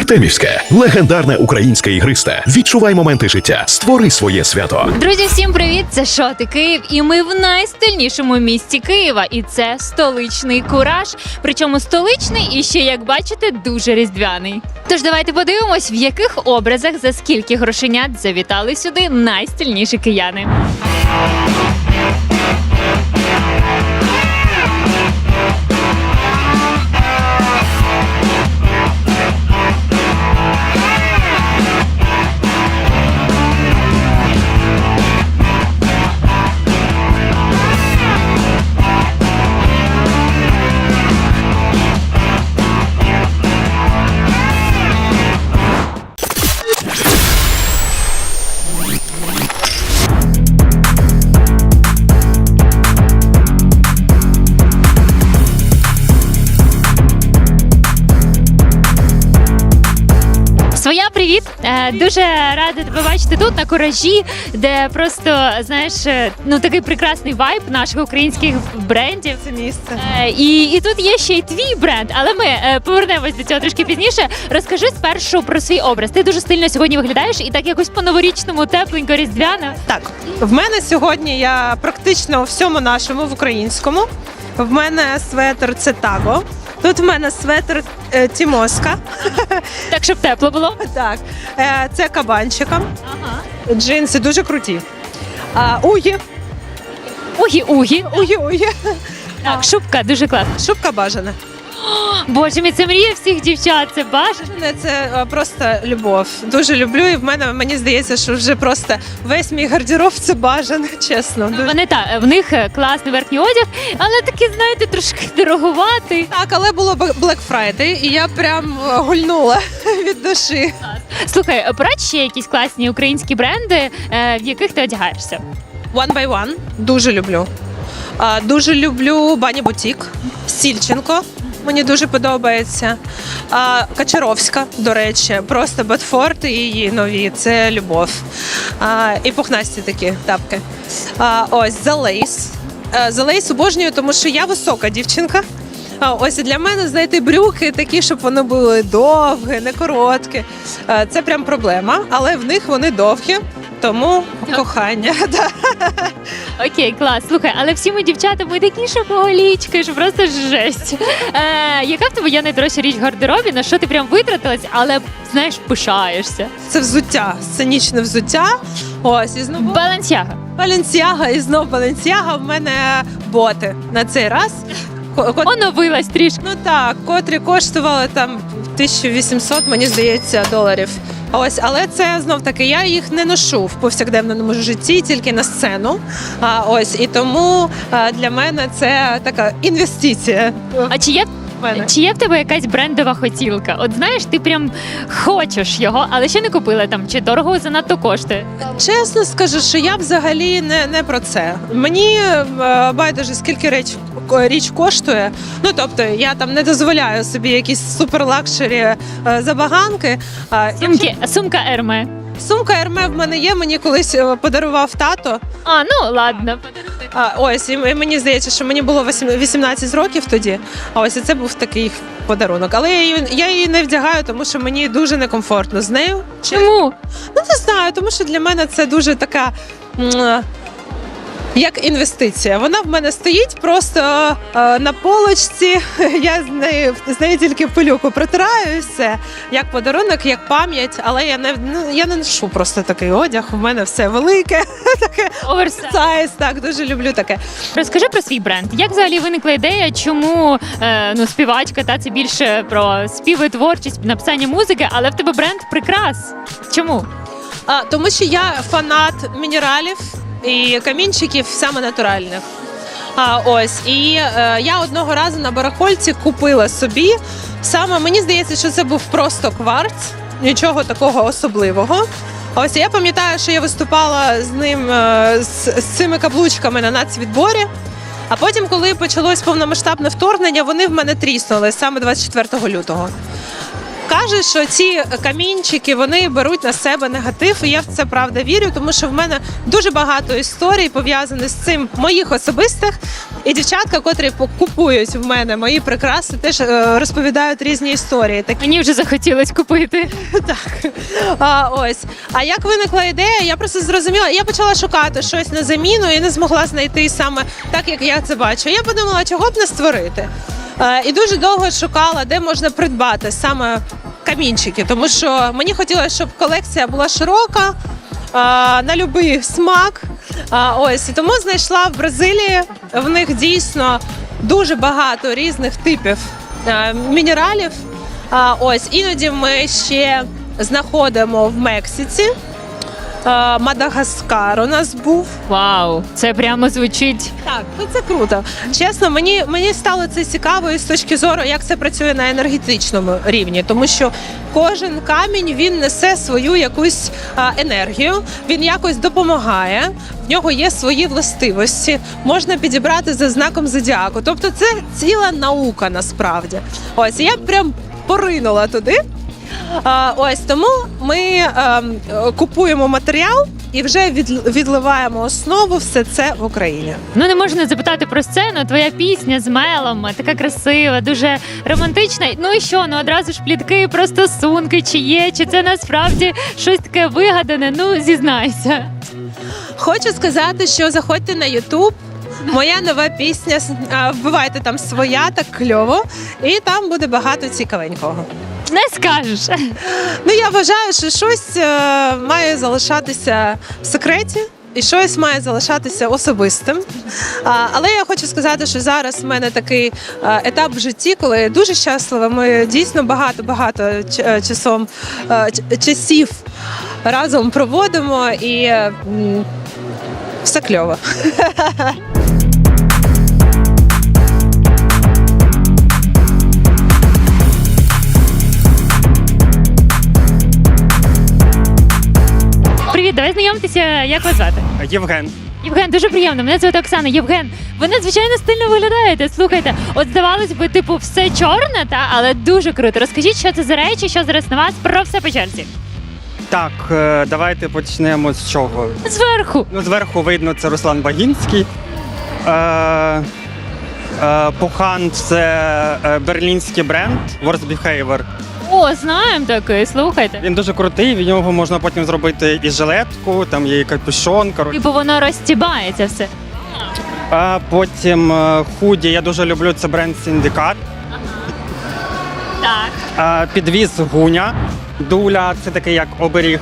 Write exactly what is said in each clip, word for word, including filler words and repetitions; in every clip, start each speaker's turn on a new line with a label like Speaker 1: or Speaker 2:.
Speaker 1: Артемівське – легендарне українське ігристе. Відчувай моменти життя, створи своє свято.
Speaker 2: Друзі, всім привіт! Це Шоти Київ, і ми в найстильнішому місті Києва. І це столичний Кураж. Причому столичний і ще, як бачите, дуже різдвяний. Тож давайте подивимось, в яких образах за скільки грошенят завітали сюди найстильніші кияни. Своя, привіт! Е, Дуже рада тебе бачити тут, на Куражі, де просто, знаєш, е, ну такий прекрасний вайб наших українських брендів.
Speaker 3: Це місце.
Speaker 2: Е, І, і тут є ще й твій бренд, але ми е, повернемось до цього трошки пізніше. Розкажи спершу про свій образ. Ти дуже стильно сьогодні виглядаєш і так якось по-новорічному, тепленько, різдвяно.
Speaker 3: Так, в мене сьогодні я практично у всьому нашому, в українському. В мене светр це таго. Тут в мене светр е, Тімоска.
Speaker 2: Так, щоб тепло було.
Speaker 3: Так, е, це кабанчиком.
Speaker 2: Ага.
Speaker 3: Джинси дуже круті. А, угі,
Speaker 2: Угі-угі.
Speaker 3: угі-угі.
Speaker 2: Так, шубка дуже класна.
Speaker 3: Шубка бажана.
Speaker 2: Боже мій, це мрія всіх дівчат, це бажано.
Speaker 3: Це е, просто любов. Дуже люблю, і в мене, мені здається, що вже просто весь мій гардероб це бажане, чесно. Дуже.
Speaker 2: Вони так, в них класний верхній одяг, але такий, знаєте, трошки дороговатий.
Speaker 3: Так, але було Black Friday, і я прям е, гульнула від душі.
Speaker 2: Слухай, порадь ще якісь класні українські бренди, е, в яких ти одягаєшся.
Speaker 3: One by One дуже люблю. А, дуже люблю Бані Бутік, Сільченко. Мені дуже подобається. А, Качаровська, до речі, просто Ботфорд і її нові. Це любов. А, і пухнасті такі тапки. А, ось The Lace. А, The Lace обожнюю, тому що я висока дівчинка. А, ось і для мене знайти брюки такі, щоб вони були довгі, не короткі. А, це прям проблема, але в них вони довгі. Тому кохання. Да.
Speaker 2: Окей, клас. Слухай, але всі ми дівчата, ми такі шопоголічки, що просто жесть. Е, яка в тебе є найдорожча річ в гардеробі, на що ти прям витратилась, але, знаєш, пишаєшся?
Speaker 3: Це взуття, сценічне взуття. Ось, і знову
Speaker 2: Балансяга.
Speaker 3: Баленсіага, і знов Баленсіага. В мене боти на цей раз. Ко- ко-
Speaker 2: Оновилась трішки.
Speaker 3: Ну так, котрі коштували там тисяча вісімсот, мені здається, доларів. Ось, але це знов таки, я їх не ношу в повсякденному житті, тільки на сцену. А ось і тому а, для мене це така інвестиція.
Speaker 2: А чи є,
Speaker 3: в мене.
Speaker 2: чи є в тебе якась брендова хотілка? От знаєш, ти прям хочеш його, але ще не купила там, чи дорого занадто коштує?
Speaker 3: Чесно скажу, що я взагалі не, не про це. Мені е, байдуже, скільки річ, річ коштує. Ну, тобто, я там не дозволяю собі якісь суперлакшері е, забаганки. А,
Speaker 2: Сумки, сумка Ерме.
Speaker 3: Сумка Ерме в мене є, мені колись е, подарував тато.
Speaker 2: А, ну ладно.
Speaker 3: А, ось, і мені здається, що мені було вісімнадцять років тоді. А ось і це був такий подарунок. Але я її, я її не вдягаю, тому що мені дуже некомфортно з нею.
Speaker 2: Чому?
Speaker 3: Ну, не знаю, тому що для мене це дуже така, м, як інвестиція. Вона в мене стоїть просто е, на полочці, я з нею, з нею тільки пилюку протираю і все. Як подарунок, як пам'ять, але я не, ну, я не ношу просто такий одяг, в мене все велике, таке
Speaker 2: Оверсайз.
Speaker 3: сайз, так, дуже люблю таке.
Speaker 2: Розкажи про свій бренд. Як взагалі виникла ідея, чому е, ну, співачка, та це більше про співи, творчість, написання музики, але в тебе бренд прикрас. Чому?
Speaker 3: А, тому що я фанат мінералів і камінчиків саме натуральних. А, ось, і е, я одного разу на барахольці купила собі, саме мені здається, що це був просто кварц, нічого такого особливого. Ось, я пам'ятаю, що я виступала з ним, е, з, з цими каблучками на нацвідборі, а потім, коли почалось повномасштабне вторгнення, вони в мене тріснули саме двадцять четвертого лютого. кажуть, що ці камінчики вони беруть на себе негатив, і я в це правда вірю, тому що в мене дуже багато історій пов'язаних з цим моїх особистих. І дівчатка, котрі купують в мене мої прикраси, теж е, розповідають різні історії. Так,
Speaker 2: Мені вже захотілось купити.
Speaker 3: так. А, ось. А як виникла ідея? Я просто зрозуміла. Я почала шукати щось на заміну і не змогла знайти саме так, як я це бачу. Я подумала, чого б не створити. Е, і дуже довго шукала, де можна придбати саме камінчики, тому що мені хотілося, щоб колекція була широка, е, на будь-який смак. А, ось і тому знайшла в Бразилії. В них дійсно дуже багато різних типів а, мінералів. А, ось іноді ми ще знаходимо в Мексиці. А, Мадагаскар у нас був.
Speaker 2: Вау, це прямо звучить.
Speaker 3: Так, ну це круто. Чесно, мені, мені стало це цікаво і з точки зору, як це працює на енергетичному рівні, тому що кожен камінь він несе свою якусь а, енергію, він якось допомагає. В нього є свої властивості, можна підібрати за знаком зодіаку. Тобто це ціла наука насправді. Ось і я прям поринула туди. А, ось тому ми а, купуємо матеріал і вже від, відливаємо основу все це в Україні.
Speaker 2: Ну не можна не запитати про сцену. Твоя пісня з Мелом така красива, дуже романтична. Ну і що? Ну одразу ж плітки про стосунки, чи є, чи це насправді щось таке вигадане. Ну зізнайся.
Speaker 3: Хочу сказати, що заходьте на Ютуб. Моя нова пісня, а, вбивайте там своя, так кльово, і там буде багато цікавенького.
Speaker 2: Не скажеш.
Speaker 3: Ну я вважаю, що щось е, має залишатися в секреті. І щось має залишатися особистим. А, але я хочу сказати, що зараз в мене такий а, етап в житті, коли я дуже щаслива. Ми дійсно багато-багато ч- часом, а, ч- часів разом проводимо і м, все кльово.
Speaker 2: Привіт, давай знайомтеся, як вас звати?
Speaker 4: Євген.
Speaker 2: Євген, дуже приємно. Мене звати Оксана. Євген, ви надзвичайно стильно виглядаєте. Слухайте, от здавалось би, типу, все чорне, та але дуже круто. Розкажіть, що це за речі, що зараз на вас, про все по черзі.
Speaker 4: Так, е, давайте почнемо з чого.
Speaker 2: Зверху.
Speaker 4: Ну, зверху видно, це Руслан Багінський. Е, е, Пухан це е, берлінський бренд Worst Behavior.
Speaker 2: О, знаємо такий, слухайте.
Speaker 4: Він дуже крутий, від нього можна потім зробити і жилетку, там є і капюшон. Коротше.
Speaker 2: Типу воно розтібається все.
Speaker 4: А потім е, худі, я дуже люблю, це бренд Синдикат.
Speaker 2: Так.
Speaker 4: Е, підвіз Гуня. Дуля, це такий як оберіг.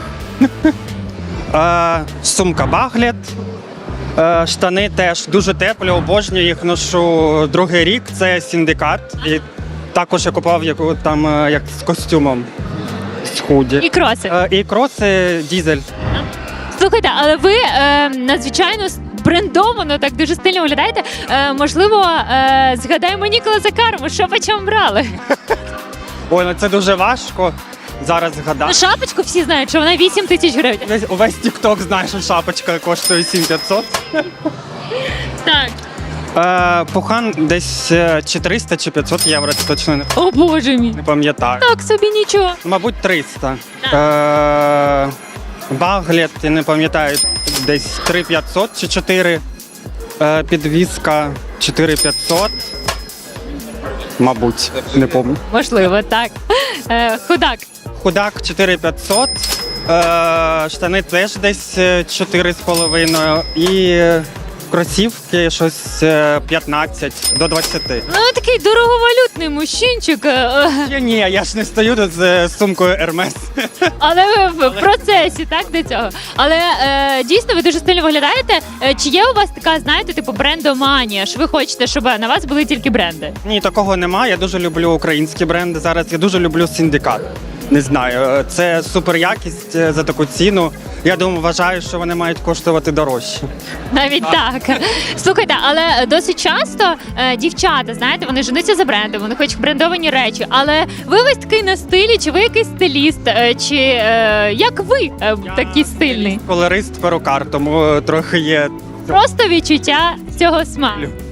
Speaker 4: Е, сумка Баглет. Е, штани теж дуже теплі, обожнюю їх, ношу другий рік, це Синдикат. І також я купував яку, там, е, як з костюмом, з худі.
Speaker 2: І кроси.
Speaker 4: Е, і кроси Дізель.
Speaker 2: Слухайте, але ви е, надзвичайно брендовано, так дуже стильно виглядаєте. Е, можливо, е, згадаємо Ніколаса Карму, що по чому брали?
Speaker 4: Ой, ну це дуже важко зараз
Speaker 2: Ну,
Speaker 4: згадати.
Speaker 2: шапочку всі знають, що вона вісім тисяч гривень.
Speaker 4: Весь, увесь тік-ток знає, що шапочка коштує сім п'ятсот.
Speaker 2: Так.
Speaker 4: Е, Пухан десь е, чи триста, чи п'ятсот євро, це точно не,
Speaker 2: О, боже мій.
Speaker 4: не пам'ятаю.
Speaker 2: Так собі нічого.
Speaker 4: Мабуть, триста. Е, Баглет, я не пам'ятаю, десь три п'ятсот чи чотири. Е, підвізка чотири п'ятсот. Мабуть, не пам'ятаю.
Speaker 2: Можливо, так. Е, худак.
Speaker 4: Худак чотири п'ятсот. Е, штани теж десь е, чотири з половиною. І кросівки щось е, п'ятнадцять до двадцяти.
Speaker 2: Ну, такий дороговалютний мужчинчик. е,
Speaker 4: Ні, ні, я ж не стою тут з е, сумкою Hermes.
Speaker 2: Але ви в процесі, так, до цього. Але е, дійсно ви дуже стильно виглядаєте. Е, Чи є у вас така, знаєте, типу брендоманія? Що ви хочете, щоб на вас були тільки бренди?
Speaker 4: Ні, такого немає. Я дуже люблю українські бренди. Зараз я дуже люблю Синдикат. Не знаю, це супер якість е, за таку ціну. Я думаю, вважаю, що вони мають коштувати дорожче.
Speaker 2: Навіть так. Слухайте, але досить часто е, дівчата, знаєте, вони женуться за брендом, вони хочуть брендовані речі. Але ви весь такий на стилі, чи ви якийсь стиліст, е, чи е, як ви е, такий стильний?
Speaker 4: Колорист, перукар, тому е, трохи є.
Speaker 2: Просто відчуття цього смаку.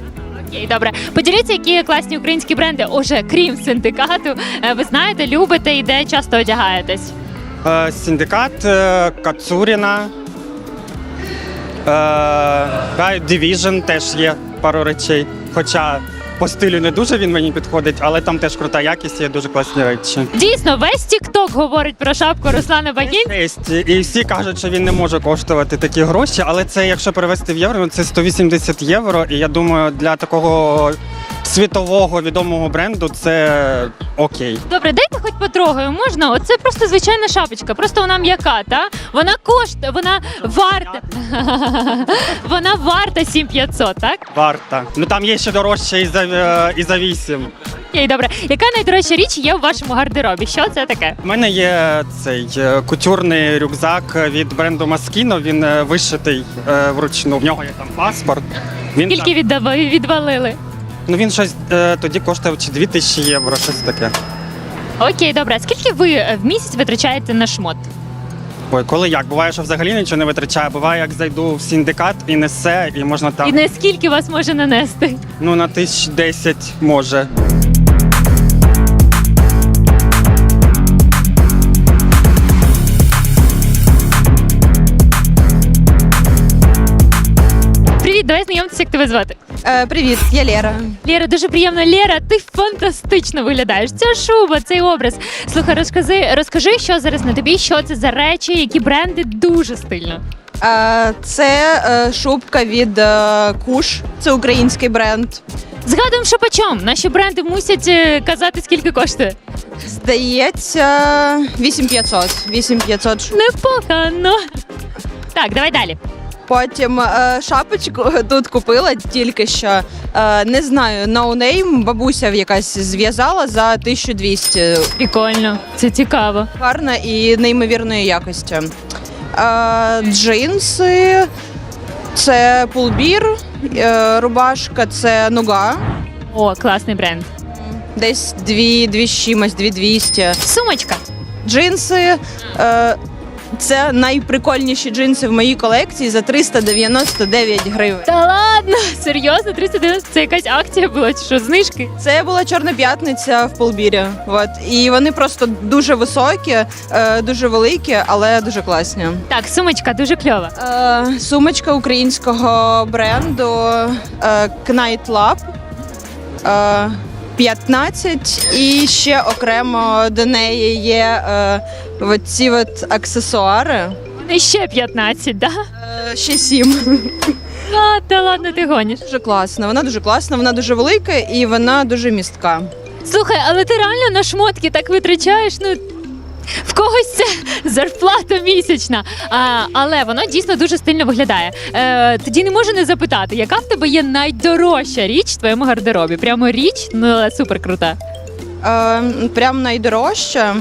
Speaker 2: Окей, добре. Поділіться, які класні українські бренди, уже крім синдикату, е, ви знаєте, любите і де часто одягаєтесь?
Speaker 4: Е, Синдикат, е, Кацуріна, е, Division теж є пару речей. Хоча по стилю не дуже він мені підходить, але там теж крута якість, є дуже класні речі.
Speaker 2: Дійсно, весь TikTok говорить про шапку Руслана Багінця.
Speaker 4: Тесть. І всі кажуть, що він не може коштувати такі гроші, але це, якщо перевести в євро, ну, це сто вісімдесят євро. І я думаю, для такого світового відомого бренду це окей.
Speaker 2: Добре, дайте хоч потрогаю, можна? Оце просто звичайна шапочка, просто вона м'яка, та? Вона коштує, вона варта. Вона варта сім тисяч п'ятсот, так?
Speaker 4: Варта. Ну там є ще дорожче і за, е, і за вісім.
Speaker 2: Окей, добре. Яка найдорожча річ є у вашому гардеробі? Що це таке?
Speaker 4: У мене є цей е, кутюрний рюкзак від бренду Moschino. Він е, вишитий е, вручну. В нього є там паспорт. Він
Speaker 2: Скільки
Speaker 4: там,
Speaker 2: віддав- відвалили?
Speaker 4: ну він щось е, тоді коштував чи дві тисячі євро, щось таке.
Speaker 2: Окей, добре. А скільки ви е, в місяць витрачаєте на шмот?
Speaker 4: Ой, коли як? Буває, що взагалі нічого не витрачає. Буває, як зайду в синдикат і несе, і можна там
Speaker 2: І наскільки вас може нанести?
Speaker 4: ну на тисяч десять може.
Speaker 2: Привіт, давай знайомитися, як тебе звати.
Speaker 5: Е, привіт, я Лера.
Speaker 2: Лєра, дуже приємно. Лєра, ти фантастично виглядаєш. Ця шуба, цей образ. Слухай, розкажи, розкажи, що зараз на тобі, що це за речі, які бренди, дуже стильно.
Speaker 5: Е, це е, шубка від е, Куш, це український бренд.
Speaker 2: Згадуємо, що почом. Наші бренди мусять е, казати, скільки коштує.
Speaker 5: Здається, вісім п'ятсот. вісім п'ятсот.
Speaker 2: Непогано. Так, давай далі.
Speaker 5: Потім е, шапочку тут купила тільки що. Е, не знаю, no name, бабуся якась зв'язала за тисячу двісті.
Speaker 2: Прикольно, це цікаво.
Speaker 5: Гарна і неймовірної якості. Е, джинси, це пулбір, е, рубашка, це нуга.
Speaker 2: О, класний бренд.
Speaker 5: Десь дві, дві з чимось, дві двісті.
Speaker 2: Сумочка.
Speaker 5: Джинси. Е, це найприкольніші джинси в моїй колекції за триста дев'яносто дев'ять гривень.
Speaker 2: Та ладно, серйозно, триста дев'яносто, це якась акція була, чи що, знижки?
Speaker 5: Це була Чорна п'ятниця в Полбірі. От. І вони просто дуже високі, е, дуже великі, але дуже класні.
Speaker 2: Так, сумочка дуже кльова.
Speaker 5: Е, сумочка українського бренду е, Knight Lab. Е, п'ятнадцять, і ще окремо до неї є е, оці от аксесуари.
Speaker 2: І ще п'ятнадцять, да?
Speaker 5: Е, ще сім.
Speaker 2: А, та ладно, ти гониш.
Speaker 5: Дуже класна, вона дуже класна, вона дуже велика і вона дуже містка.
Speaker 2: Слухай, але ти реально на шмотки так витрачаєш, ну. В когось це зарплата місячна, а, але воно дійсно дуже стильно виглядає. Е, тоді не можу не запитати, яка в тебе є найдорожча річ в твоєму гардеробі? Прямо річ, ну але супер крута.
Speaker 5: Е, прям найдорожча.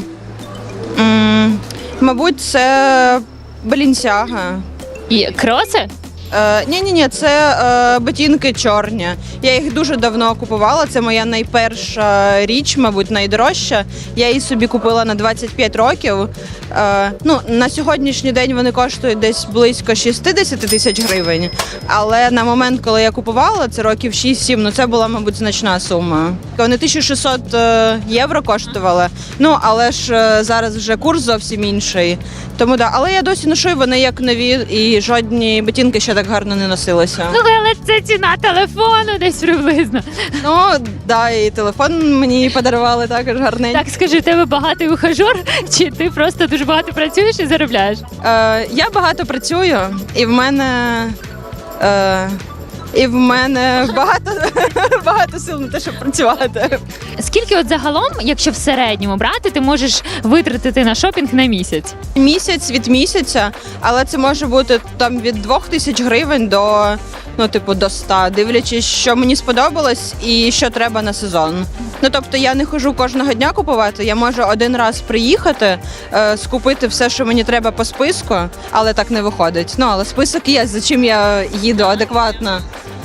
Speaker 5: М, мабуть, це Balenciaga.
Speaker 2: І кроси?
Speaker 5: Е, ні, ні, ні, це е, ботинки чорні. Я їх дуже давно купувала. Це моя найперша річ, мабуть, найдорожча. Я її собі купила на двадцять п'ять років. Е, ну, на сьогоднішній день вони коштують десь близько шістдесят тисяч гривень. Але на момент, коли я купувала, це років шість-сім, ну це була, мабуть, значна сума. Вони тисячу шістсот е, євро коштували. Ну, але ж е, зараз вже курс зовсім інший. Тому да, але я досі ношу, і вони як нові, і жодні ботинки ще так гарно не носилися.
Speaker 2: Слухай, але це ціна телефону десь приблизно.
Speaker 5: Ну, да, і телефон мені подарували також гарненький.
Speaker 2: Так, скажи, в тебе багатий ухажор, чи ти просто дуже багато працюєш і заробляєш?
Speaker 5: Е, я багато працюю, і в мене. Е, і в мене багато, багато сил на те, щоб працювати.
Speaker 2: Скільки от загалом, якщо в середньому брати, ти можеш витратити на шопінг на місяць?
Speaker 5: Місяць від місяця, але це може бути там від двох тисяч гривень до, ну, типу, до ста, дивлячись, що мені сподобалось і що треба на сезон. Ну, тобто я не хожу кожного дня купувати, я можу один раз приїхати, е, скупити все, що мені треба по списку, але так не виходить. Ну, але список є, за чим я їду адекватно.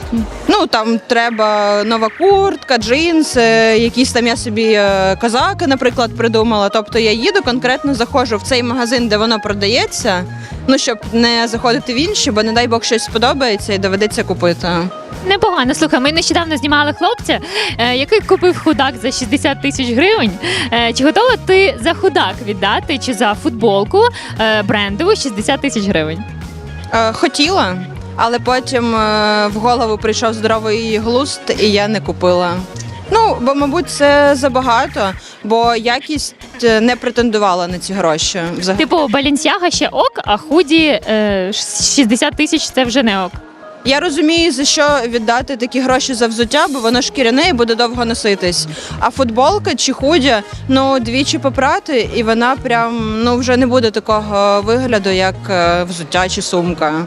Speaker 5: Ну, там треба нова куртка, джинси, якісь там я собі е, козаки, наприклад, придумала. Тобто я їду, конкретно заходжу в цей магазин, де воно продається, ну, щоб не заходити в інші, бо, не дай Бог, щось сподобається і доведеться купити.
Speaker 2: Непогано. Слухай, ми нещодавно знімали хлопця, е, який купив худак за шістдесят тисяч гривень. Е, чи готова ти за худак віддати, чи за футболку е, брендову шістдесят тисяч гривень?
Speaker 5: Е, хотіла, але потім е, в голову прийшов здоровий глузд, і я не купила. Ну, бо, мабуть, це забагато, бо якість е, не претендувала на ці гроші. Взагалі.
Speaker 2: Типу, Балінсяга ще ок, а худі е, шістдесят тисяч це вже не ок.
Speaker 5: Я розумію, за що віддати такі гроші за взуття, бо воно шкіряне і буде довго носитись. А футболка чи худя, ну, двічі попрати, і вона прям, ну, вже не буде такого вигляду, як е, взуття чи сумка.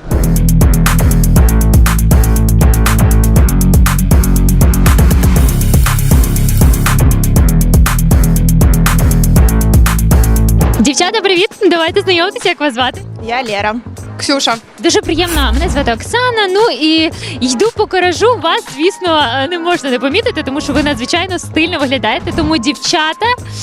Speaker 2: Дівчата, привіт! Давайте знайомитися, як вас звати.
Speaker 5: Я Лера.
Speaker 3: Ксюша.
Speaker 2: Дуже приємно. Мене звати Оксана. Ну і йду по коражу. Вас, звісно, не можна не помітити, тому що ви надзвичайно стильно виглядаєте. Тому, дівчата,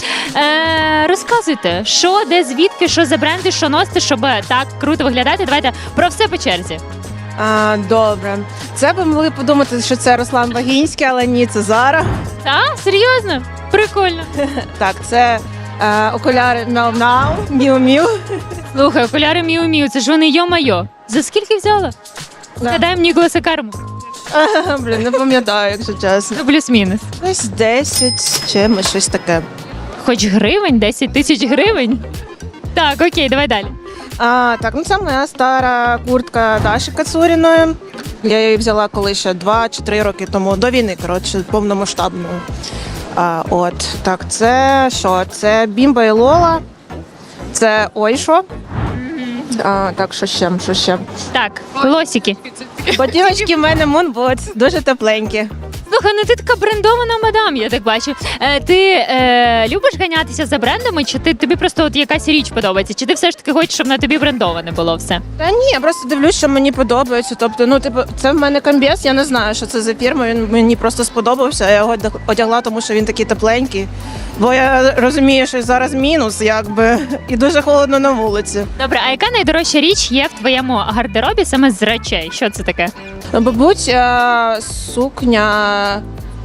Speaker 2: е- розказуйте, що, де, звідки, що за бренди, що носите, щоб так круто виглядати. Давайте про все по черзі.
Speaker 6: А, добре. Це ви могли подумати, що це Руслан Багінський, але ні, це Зара.
Speaker 2: Так, серйозно? Прикольно.
Speaker 6: Так, це е, окуляри Мяу-Мяу, Міу-Міу.
Speaker 2: Слухай, окуляри Міу-Міу, це ж вони йо-майо. За скільки взяла? Згадаємо Ніколаса Карму.
Speaker 6: Блін, не пам'ятаю, якщо чесно.
Speaker 2: Ну, плюс-мінус.
Speaker 6: Десь десять з чимось, щось таке.
Speaker 2: Хоч гривень, десять тисяч гривень. Так, окей, давай далі.
Speaker 6: А, так, ну це моя стара куртка Даші Кацуріної. Я її взяла коли ще два чи три роки тому, до війни, коротше, повномасштабної. А, от, так, це що? Це Бімба і Лола. Це Ойшо. А, так, що ще, що ще?
Speaker 2: Так, лосики.
Speaker 6: Ботиночки в мене Moonboots, дуже тепленькі.
Speaker 2: Слухай, ну ти така брендована мадам, я так бачу. Е, ти е, любиш ганятися за брендами, чи ти тобі просто от якась річ подобається? Чи ти все ж таки хочеш, щоб на тобі брендоване було все?
Speaker 6: Та ні, я просто дивлюсь, що мені подобається. Тобто, ну, типу, це в мене комбез, я не знаю, що це за фірма, він мені просто сподобався, я його одягла, тому що він такий тепленький. Бо я розумію, що зараз мінус, якби, і дуже холодно на вулиці.
Speaker 2: Добре, а яка найдорожча річ є в твоєму гардеробі саме з речей? Що це таке?
Speaker 6: Мабуть, е, сукня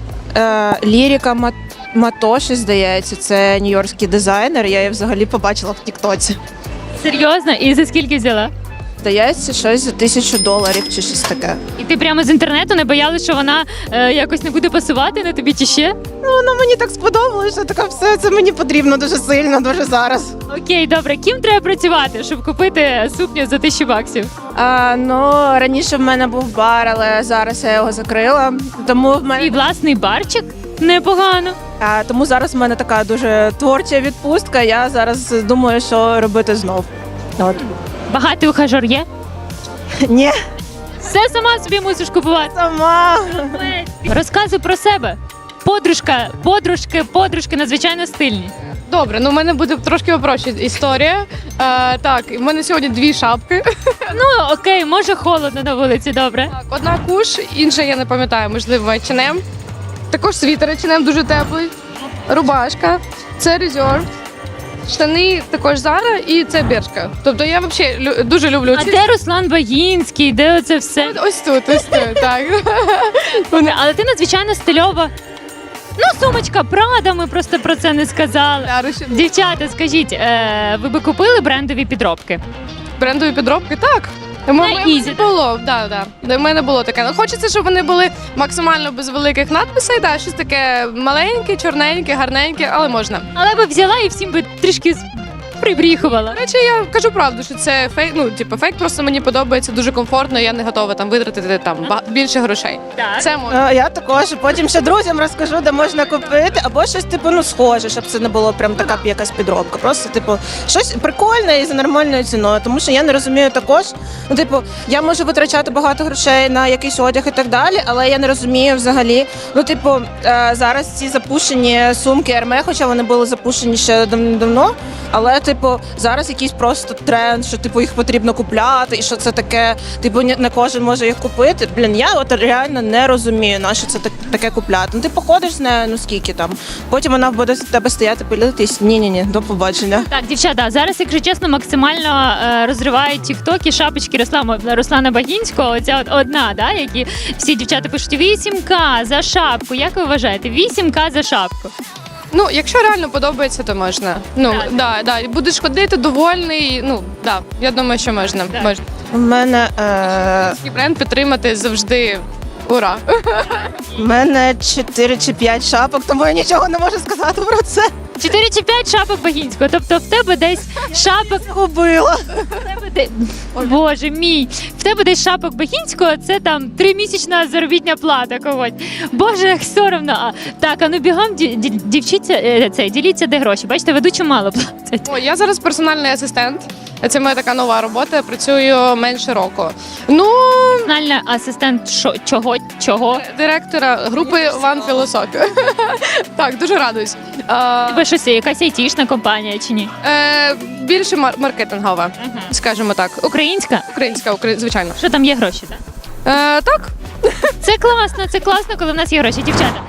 Speaker 6: е, Ліріка Мат- Матоші, здається, це нью-йоркський дизайнер, я її взагалі побачила в Тіктоці.
Speaker 2: Серйозно? І за скільки взяла?
Speaker 6: Здається, щось за тисячу доларів чи щось таке.
Speaker 2: І ти прямо з інтернету не боялась, що вона е, якось не буде пасувати на тобі чи ще?
Speaker 6: Ну, воно мені так сподобалося, що таке все це мені потрібно дуже сильно, дуже зараз.
Speaker 2: Окей, добре. Ким треба працювати, щоб купити сукню за тисячу баксів?
Speaker 6: А, ну, раніше в мене був бар, але зараз я його закрила. Тому в
Speaker 2: Твій
Speaker 6: мене
Speaker 2: власний барчик? Непогано.
Speaker 6: а, тому зараз в мене така дуже творча відпустка. Я зараз думаю, що робити знов. От.
Speaker 2: Багатий ухажор є?
Speaker 6: Ні,
Speaker 2: Все сама собі мусиш купувати.
Speaker 6: сама.
Speaker 2: Розказуй про себе. Подружка, подружки, подружки надзвичайно стильні.
Speaker 7: Добре, ну в мене буде трошки попроще історія. Е, так, в мене сьогодні дві шапки.
Speaker 2: Ну окей, може холодно на вулиці, добре.
Speaker 7: Так, одна куш, інша я не пам'ятаю, можливо, ейч енд ем. Також світер ейч енд ем дуже теплий. Рубашка, це Reserve. Штани також Зара і це Бершка. Тобто я взагалі лю- дуже люблю
Speaker 2: А
Speaker 7: ці.
Speaker 2: де Руслан Багінський, де оце все?
Speaker 7: Ось тут, ось тут, так.
Speaker 2: Вони- Але ти надзвичайно стильова. Ну, сумочка Прада, ми просто про це не сказали.
Speaker 7: Яруші.
Speaker 2: Дівчата, скажіть, е, ви би купили брендові підробки?
Speaker 7: Брендові підробки, так. У мене
Speaker 2: Easy,
Speaker 7: було, да, да. У мене було таке. Ну, хочеться, щоб вони були максимально без великих надписей, да, щось таке маленьке, чорненьке, гарненьке, але можна.
Speaker 2: Але би взяла і всім би трішки з- прибріхувала.
Speaker 7: До речі, я кажу правду, що це фейк. Ну, типу, фейк просто мені подобається дуже комфортно. Я не готова там витратити там ба- більше грошей.
Speaker 2: Так.
Speaker 7: Це можна.
Speaker 6: Е, Я також потім ще друзям розкажу, де можна купити, або щось типу ну схоже, щоб це не було прям така якась підробка. Просто типу щось прикольне і за нормальною ціною. Тому що я не розумію також. Ну, типу, я можу витрачати багато грошей на якийсь одяг і так далі, але я не розумію взагалі. Ну, типу, е, зараз ці запущені сумки Ерме, хоча вони були запущені ще дав- давно. Але, типу, зараз якийсь просто тренд, що типу їх потрібно купляти, і що це таке, типу, ні- не кожен може їх купити. Блін, я от реально не розумію, на що це так- таке купляти. Ну ти походиш з нею, ну скільки там. Потім вона буде з тебе стояти, пилитись. Ні-ні-ні, до побачення.
Speaker 2: Так, дівчата, зараз, якщо чесно, максимально е, розривають тіктоки шапочки Руслана, Руслана Багінського. Оця от одна, да, які всі дівчата пишуть вісім ка за шапку. Як ви вважаєте? вісім ка за шапку.
Speaker 7: Ну, якщо реально подобається, то можна. Ну,
Speaker 2: Так.
Speaker 7: да, да. І будеш ходити довольний. Ну, да, я думаю, що можна.
Speaker 2: Так.
Speaker 7: можна.
Speaker 6: У мене, е,
Speaker 7: І бренд підтримати завжди. Ура!
Speaker 6: у мене чотири чи п'ять шапок, тому я нічого не можу сказати про це.
Speaker 2: чотири чи п'ять шапок Багінського. Тобто в тебе десь шапок
Speaker 6: Губила.
Speaker 2: в тебе де... Боже мій, в тебе десь шапок Багінського, це там тримісячна заробітня плата когось. Боже, як соромно. А, так, а ну бігом ді- ді- дівчіться, е, це, діліться, де гроші. Бачите, ведучу мало платять.
Speaker 7: О, я зараз персональний асистент. Це моя така нова робота. Працюю менше року. Ну,
Speaker 2: Персональний асистент шо, чого, чого?
Speaker 7: директора групи One Philosophy. Так, дуже радуюсь. А,
Speaker 2: Тебе щось, якась айтішна компанія чи ні?
Speaker 7: е, більше мар- маркетингова, скажімо так.
Speaker 2: Українська?
Speaker 7: Українська, укра- звичайно.
Speaker 2: Що там є гроші, так?
Speaker 7: Е, так,
Speaker 2: Це класно, це класно, коли в нас є гроші, дівчата.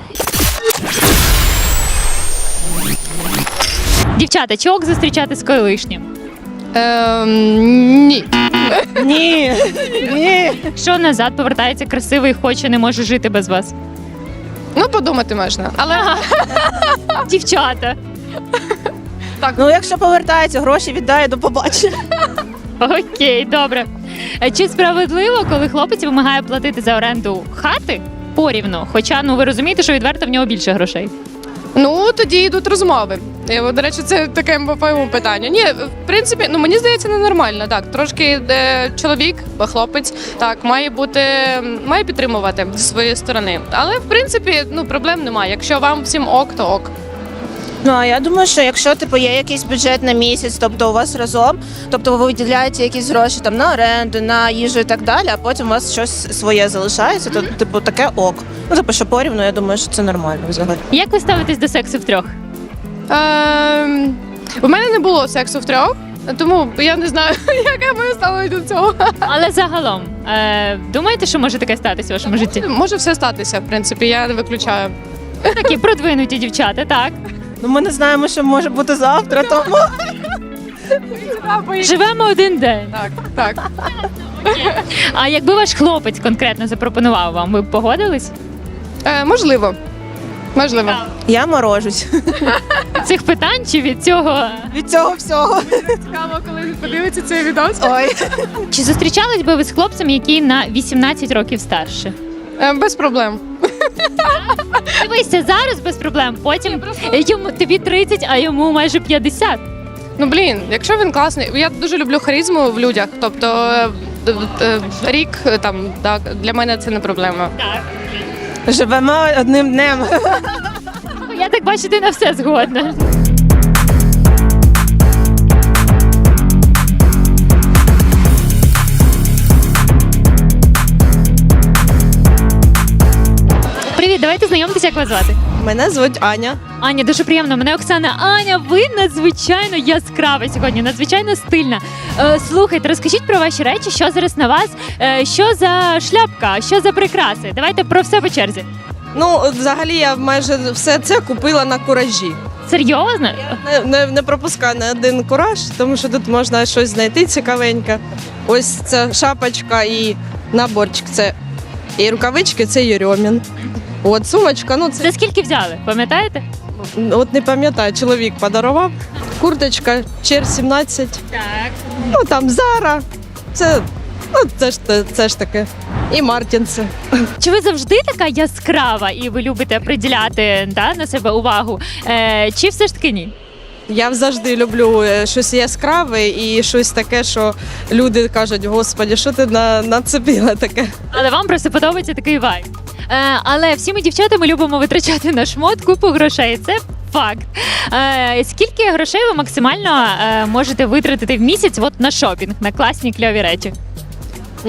Speaker 2: Дівчата, чи ок зустрічати з колишнім?
Speaker 7: е, ні.
Speaker 6: Ні. Ні.
Speaker 2: Що назад повертається красивий, хоче, не може жити без вас?
Speaker 7: Ну, подумати можна. Але
Speaker 2: Дівчата.
Speaker 6: Ну, якщо повертається, гроші віддає, до побачення.
Speaker 2: Окей, добре. Е, Чи справедливо, коли хлопець вимагає платити за оренду хати порівну? Хоча, ну ви розумієте, що відверто в нього більше грошей.
Speaker 7: ну тоді йдуть розмови. І, от, до речі, це таке по-моєму питання. Ні, в принципі, ну мені здається, ненормально. Так, трошки е, чоловік, бо хлопець, так має бути, має підтримувати зі своєї сторони. Але в принципі, ну проблем немає. Якщо вам всім ок, то ок.
Speaker 6: Ну, а я думаю, що якщо типу є якийсь бюджет на місяць, тобто у вас разом, тобто ви виділяєте якісь гроші там на оренду, на їжу і так далі, а потім у вас щось своє залишається, то типу таке ок. Ну, типу, що порівну, я думаю, що це нормально взагалі.
Speaker 2: Як ви ставитесь до сексу втрьох?
Speaker 7: Ем, у мене не було сексу втрьох, тому я не знаю, яке моє ставлення до цього.
Speaker 2: Але загалом, е, думаєте, що може таке статися в вашому житті?
Speaker 7: Може все статися, в принципі, я не виключаю.
Speaker 2: Такі продвинуті дівчата, так.
Speaker 6: Ну, ми не знаємо, що може бути завтра, тому
Speaker 2: Живемо один день.
Speaker 7: Так, так.
Speaker 2: А якби ваш хлопець конкретно запропонував вам, ви б погодились?
Speaker 7: Е, можливо. Можливо.
Speaker 6: я морожусь
Speaker 2: Від цих питань чи від цього?
Speaker 6: від цього всього.
Speaker 7: Цікаво, коли подивиться цей відос.
Speaker 6: Ой.
Speaker 2: Чи зустрічались би ви з хлопцем, який на вісімнадцять років старше?
Speaker 7: Е, без проблем.
Speaker 2: Дивися, зараз без проблем. Потім йому тобі тридцять, а йому майже п'ятдесят.
Speaker 7: Ну блін, якщо він класний, я дуже люблю харизму в людях. Тобто е, е, е, рік е, там так для мене це не проблема.
Speaker 6: Живемо одним днем.
Speaker 2: Я так бачу, ти на все згодна. Привіт, давайте знайомитися, як вас звати.
Speaker 6: Мене звуть Аня.
Speaker 2: Аня, дуже приємно. Мене Оксана. Аня, ви надзвичайно яскрава сьогодні, надзвичайно стильна. Е, слухайте, розкажіть про ваші речі, що зараз на вас, е, що за шляпка, що за прикраси. Давайте про все по черзі.
Speaker 8: Ну, от взагалі я майже все це купила на куражі.
Speaker 2: Серйозно?
Speaker 8: Не, не, не пропускаю на один кураж, тому що тут можна щось знайти цікавеньке. Ось ця шапочка і наборчик. Це і рукавички, це Єрьомін. От сумочка, ну це
Speaker 2: За скільки взяли? Пам'ятаєте?
Speaker 8: от не пам'ятаю, чоловік подарував. Курточка Чер сімнадцять.
Speaker 2: Так.
Speaker 8: Ну там Зара. Це, ну, це ж те- це ж таке. І Мартінси.
Speaker 2: Чи ви завжди така яскрава і ви любите приділяти да, на себе увагу? Е, чи все ж таки ні?
Speaker 8: Я завжди люблю е, щось яскраве і щось таке, що люди кажуть: Господі, що ти на, нацепила таке?
Speaker 2: Але вам просто подобається такий вайб. Е, але всі ми дівчата ми любимо витрачати на шмот купу грошей. Це факт. Е, скільки грошей ви максимально е, можете витратити в місяць от на шопінг, на класні кльові речі?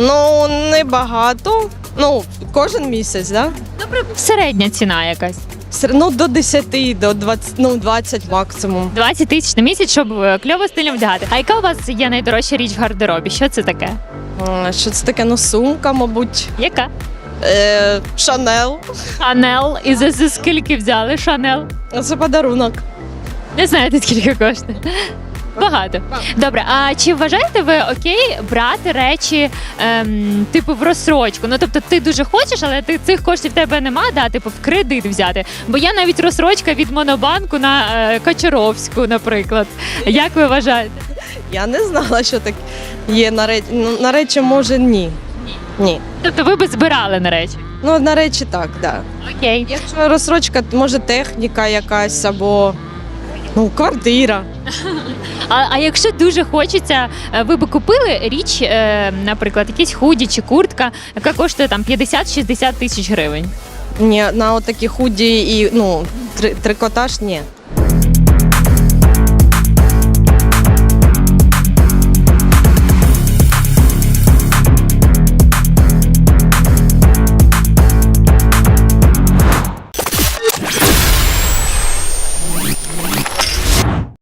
Speaker 8: Ну, небагато. Ну, кожен місяць, да?
Speaker 2: Середня ціна якась.
Speaker 8: Все одно до десяти, до двадцяти, ну двадцять максимум.
Speaker 2: двадцять тисяч на місяць, щоб е, кльово стильно вдягати. А яка у вас є найдорожча річ в гардеробі? Що це таке?
Speaker 8: А, Що це таке? Ну, сумка, мабуть.
Speaker 2: Яка?
Speaker 8: Е, Шанел.
Speaker 2: Шанел. І за, за скільки взяли Шанел?
Speaker 8: Це подарунок.
Speaker 2: Не знаєте, скільки коштує? Багато. Добре, а чи вважаєте ви окей брати речі ем, типу в розсрочку? Ну тобто ти дуже хочеш, але ти цих коштів в тебе нема, да, типу в кредит взяти. Бо я навіть розсрочка від Монобанку на е, Качаровську, наприклад. Як ви вважаєте?
Speaker 8: Я не знала, що так є на речі. Ну, на речі, може, ні. Ні.
Speaker 2: Тобто ви би збирали на речі?
Speaker 8: Ну, на речі, так, да.
Speaker 2: Окей.
Speaker 8: Якщо розсрочка, може техніка якась або ну, квартира.
Speaker 2: А, а якщо дуже хочеться, е, ви би купили річ, е, наприклад, якісь худі чи куртка, яка коштує там п'ятдесят-шістдесят тисяч гривень?
Speaker 8: Ні, на отакі худі і ну, три- трикотаж ні.